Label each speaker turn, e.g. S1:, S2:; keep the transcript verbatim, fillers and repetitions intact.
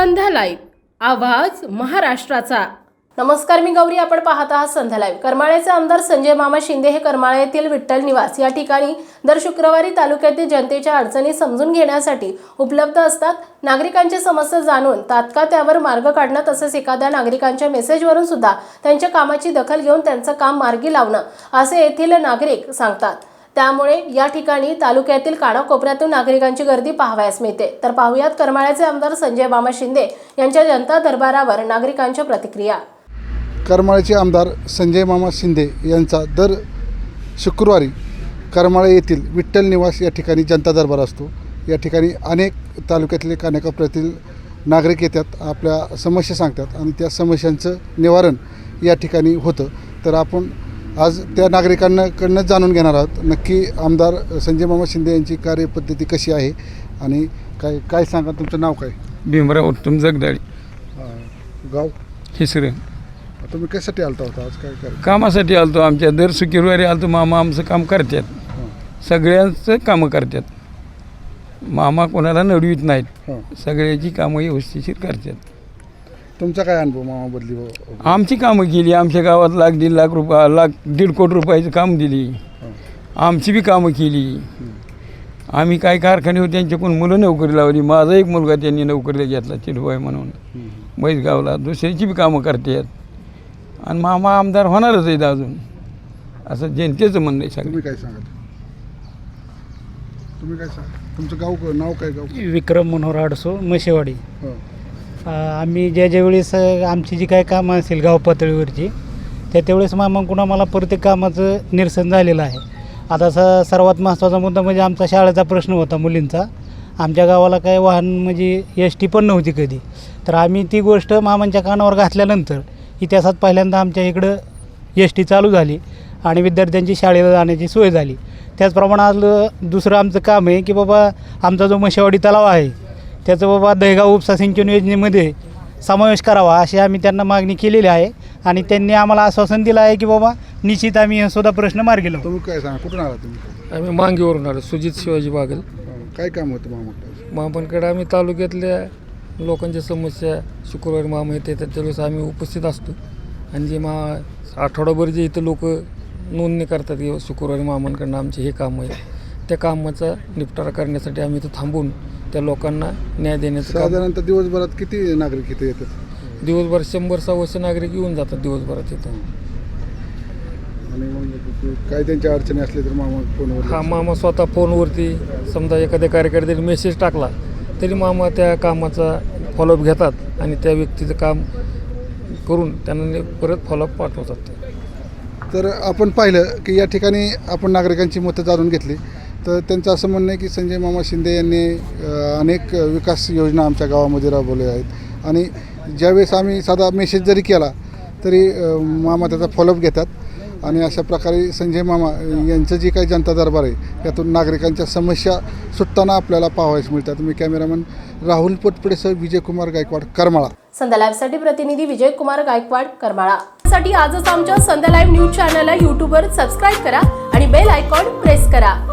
S1: संध्या live, आवाज महाराष्ट्राचा।
S2: नमस्कार, मी गौरी, आपण पाहत आहात संध्या लाईव्ह। करमाळ्याचे आमदार संजय मामा शिंदे हे करमाळा येथील विठ्ठल निवास या ठिकाणी दर शुक्रवारी तालुक्यातील जनतेच्या अडचणी समजून घेण्यासाठी उपलब्ध असतात। नागरिकांची समस्या जाणून तात्काळ त्यावर मार्ग काढणं तसेच एखाद्या नागरिकांच्या मेसेजवरून सुद्धा त्यांच्या कामाची दखल घेऊन त्यांचं काम मार्गी लावणं असे येथील नागरिक सांगतात। त्यामुळे या ठिकाणी तालुक्यातील कानाकोपऱ्यातून नागरिकांची गर्दी पाहावयास मिळते। तर पाहुयात करमाळ्याचे आमदार संजय मामा शिंदे यांच्या जनता दरबारावर नागरिकांच्या प्रतिक्रिया।
S3: करमाळ्याचे आमदार संजय मामा शिंदे यांचा दर शुक्रवारी करमाळा येथील विठ्ठल निवास या ठिकाणी जनता दरबार असतो। या ठिकाणी अनेक तालुक्यातले कानाकोपऱ्यातील नागरिक येतात, आपल्या समस्या सांगतात आणि त्या समस्यांचं निवारण या ठिकाणी होतं। तर आपण आज त्या नागरिकांकडनं जाणून घेणार आहोत नक्की आमदार संजय मामा शिंदे यांची कार्यपद्धती कशी आहे आणि काय काय सांगा। तुमचं नाव काय?
S4: भीमराव उत्तम जगदाळी,
S3: गाव
S4: हिसरे।
S3: तुम्ही कशासाठी आलता होता आज? काय काय
S4: कामासाठी आलतो, आमच्या दर शुक्रवारी आलतो। मामा आमचं काम करतात, सगळ्यांचं कामं करतात। मामा कोणाला नडवीत नाहीत, सगळ्याची कामं व्यवस्थिशीर करतात।
S3: तुमचा काय अनुभव मामाबद्दली?
S4: आमची कामं केली, आमच्या गावात लाख दीड लाख रुपया लाख दीड कोटी रुपयाचं काम दिली, आमची बी कामं केली। आम्ही काय कारखाने होते त्यांच्याकडून मुलं नोकरी लावली। माझा एक मुलगा त्यांनी नोकरीला घेतला, चिडवाय म्हणून मैसगावला। दुसऱ्याची बी कामं करतात आणि मामा आमदार होणारच आहेत अजून, असं जनतेचं म्हणणं आहे सगळं।
S3: तुम्ही काय सांगा? तुम्ही काय सांगा? तुमचं गाव नाव काय? गाव
S5: विक्रम मनोहर आडसो, म्हशेवाडी। आम्ही ज्या ज्या वेळेस आमची जी काय कामं असेल गाव पातळीवरची, त्या त्यावेळेस मामांकडून आम्हाला प्रत्येक कामाचं निरसन झालेलं आहे। आता स सर्वात महत्त्वाचा मुद्दा म्हणजे आमचा शाळेचा प्रश्न होता मुलींचा। आमच्या गावाला काय वाहन म्हणजे एस टी पण नव्हती कधी, तर आम्ही ती गोष्ट मामांच्या कानावर घातल्यानंतर इतिहासात पहिल्यांदा आमच्या इकडं एस टी चालू झाली आणि विद्यार्थ्यांची शाळेला जाण्याची सोय झाली। त्याचप्रमाणे आज दुसरं आमचं काम आहे की बाबा आमचा जो म्हशेवाडी तलाव आहे त्याचं बाबा दहेगाव उपसा सिंचन योजनेमध्ये समावेश करावा अशी आम्ही त्यांना मागणी केलेली आहे आणि त्यांनी आम्हाला आश्वासन दिलं आहे की बाबा निश्चित आम्ही हे सुद्धा प्रश्न मार्गी लावू।
S3: तुम्ही काय सांगा? कुठून आला तुम्ही?
S6: आम्ही मांगीवरून आलो, सुजित शिवाजी बागल।
S3: काय काम होतं मामाकडे?
S6: मामांकडे आम्ही तालुक्यातल्या लोकांच्या समस्या शुक्रवारी मामा येते त्यावेळेस आम्ही उपस्थित असतो आणि जे मा आठवडाभर जे इथं लोक नोंदणी करतात की शुक्रवारी मामांकडनं आमचे हे काम आहे, त्या कामाचा निपटारा करण्यासाठी आम्ही इथं थांबून त्या लोकांना न्याय देण्याचं काम।
S3: साधारणतः दिवसभरात किती नागरिक इथे येतात?
S6: दिवसभर शंभर सव्वाशे नागरिक येऊन जातात दिवसभरात इथं।
S3: आणि मग काय त्यांच्या अडचणी असल्या तर मामा फोनवर?
S6: हा, मामा स्वतः फोनवरती समजा एखाद्या कार्यकर्त्याने मेसेज टाकला तरी मामा त्या कामाचा फॉलोअप घेतात आणि त्या व्यक्तीचं काम करून त्यांना परत फॉलोअप पाठवतात।
S3: तर आपण पाहिलं की या ठिकाणी आपण नागरिकांची मतं जाणून घेतली, तर त्यांचं असं म्हणणं आहे की संजय मामा शिंदे यांनी अनेक विकास योजना आमच्या गावामध्ये राबवल्या आहेत आणि ज्यावेळेस आम्ही साधा मेसेज जरी केला तरी मामा त्याचा फॉलोअप घेतात आणि अशा प्रकारे संजय मामा यांचं जी काही जनता दरबार आहे त्यातून नागरिकांच्या समस्या सुटताना आपल्याला पाहावयास मिळतात। मी कॅमेरामन राहुल पोटपडेसह विजयकुमार गायकवाड, करमाळा।
S2: संध्या लाईव्हसाठी प्रतिनिधी विजयकुमार गायकवाड, करमाळा। साठी आजच आमच्या संध्या लाईव्ह न्यूज चॅनलला यूट्यूबवर सबस्क्राईब करा आणि बेल आयकॉन प्रेस करा।